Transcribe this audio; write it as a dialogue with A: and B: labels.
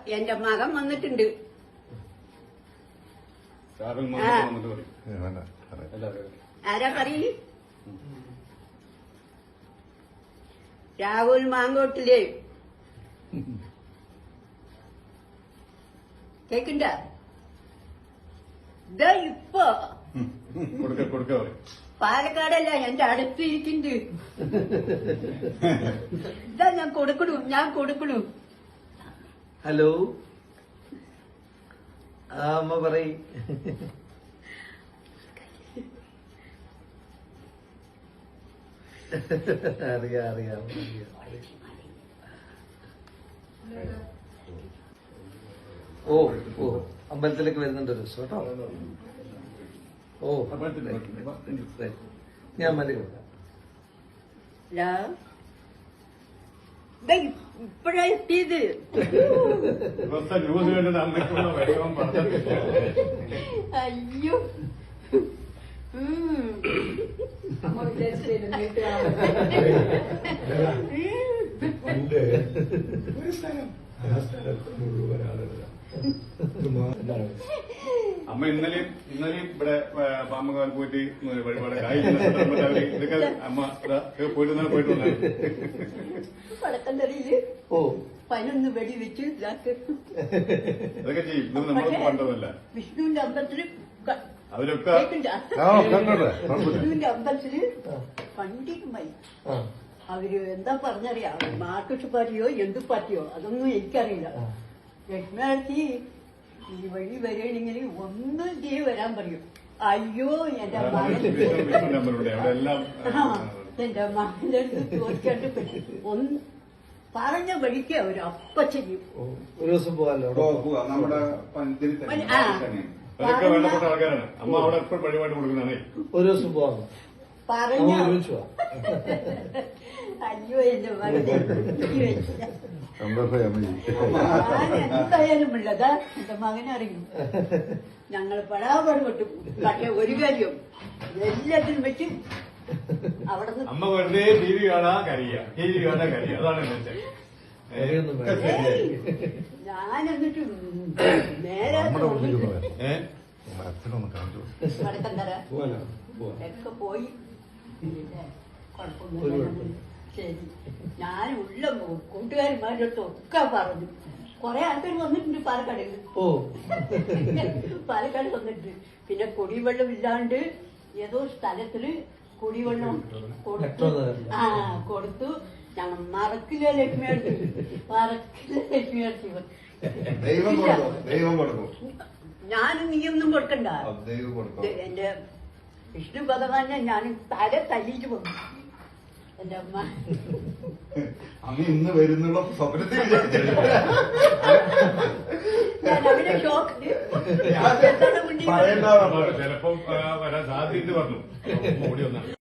A: എന്റെ മകൻ വന്നിട്ടുണ്ട്. ആരാ പറയ്? രാഹുൽ മാങ്കോട്ടില് കേക്കണ്ട? ഇതാ ഇപ്പൊ പാലക്കാടല്ല എന്റെ അടുത്തിരിക്കുന്നുണ്ട്. ഇതാ ഞാൻ കൊടുക്കണു.
B: ഹലോ, ആ അമ്മ പറയ്. അറിയാം. ഓ അമ്പലത്തിലേക്ക് വരുന്നുണ്ട് ഒരു ദിവസം കേട്ടോ. ഓ ഞാൻ മതി കൊടുക്കാം.
A: ഇപ്പഴാ എത്തിയത്. അയ്യോ
C: അമ്മ ഇന്നലെയും ഇവിടെ പാമ്പുകാൽ പോയിട്ട് വഴിപാട് ഇതൊക്കെ അമ്മ പോയിട്ട്
A: വടക്കന്തറിയില് 11 വെടി വെച്ച്
C: ഇതൊക്കെ ചെയ്യും. ഇത് നമ്മൾ കണ്ടതല്ല.
A: വിഷ്ണുവിന്റെ അമ്പലത്തില്
C: അതിലൊക്കെ
A: വിഷ്ണുവിന്റെ അമ്പലത്തില് പണ്ടിക്കുമായി അവര് എന്താ പറഞ്ഞറിയാം, മാർക്സിസ്റ്റ് പാർട്ടിയോ എന്ത് പാർട്ടിയോ അതൊന്നും എനിക്കറിയില്ല. ലക്ഷ്മിയാഴ്ച ഈ വഴി വരികയാണെങ്കിൽ ഒന്നും ചെയ്ത് വരാൻ പറയും. അയ്യോ എന്റെ മകന്റെ അടുത്ത് ചോദിക്കാണ്ട് ഒന്ന് പറഞ്ഞ വഴിക്ക് അവര് അപ്പ ചെയ്യും.
B: ഒരു ദിവസം പോകാമല്ലോ.
C: വേണ്ടപ്പെട്ട ആൾക്കാരാണ്. അമ്മ അവിടെ എപ്പോഴും വഴിപാട് കൊടുക്കുന്നതാണ്.
B: ഒരു ദിവസം പോകാമോ?
A: പറഞ്ഞ അയ്യോ എന്റെ മകനെ എന്തായാലും ഉള്ളതാ എന്റെ മകനറിയും. ഞങ്ങൾ പടാപാട് പെട്ടു. പക്ഷെ ഒരു കാര്യം എല്ലാത്തിനും വെച്ച് അവിടെ
C: അമ്മ വെറുതെ ടി വി കാണാ കരിയ അതാണ്
A: ഞാൻ എന്നിട്ട് നേരെ വടക്കന്തര ഒക്കെ പോയി. ശരി, ഞാൻ ഉള്ള കൂട്ടുകാരന്മാരുടെ അടുത്ത് ഒക്കെ പറഞ്ഞു. കൊറേ ആൾക്കാർ വന്നിട്ടുണ്ട് പാലക്കാട് വന്നിട്ടുണ്ട്. പിന്നെ കുടിവെള്ളം ഇല്ലാണ്ട് ഏതോ സ്ഥലത്തില് കുടിവെള്ളം കൊടുത്തു. ഞങ്ങൾ മറക്കില്ല ലക്ഷ്മിയടുത്ത് ഞാനും നീയൊന്നും കൊടുക്കണ്ട. എന്റെ വിഷ്ണു ഭഗവാനെ ഞാൻ തല തല്ലിച്ചു വന്നു. എന്റെ അമ്മ
C: ഇന്ന് വരുന്നുള്ള സ്വപ്നത്തിൽ
A: ഞാൻ അവനെ ഷോക്ക്
C: ചിലപ്പം വരാൻ സാധ്യത പറഞ്ഞു.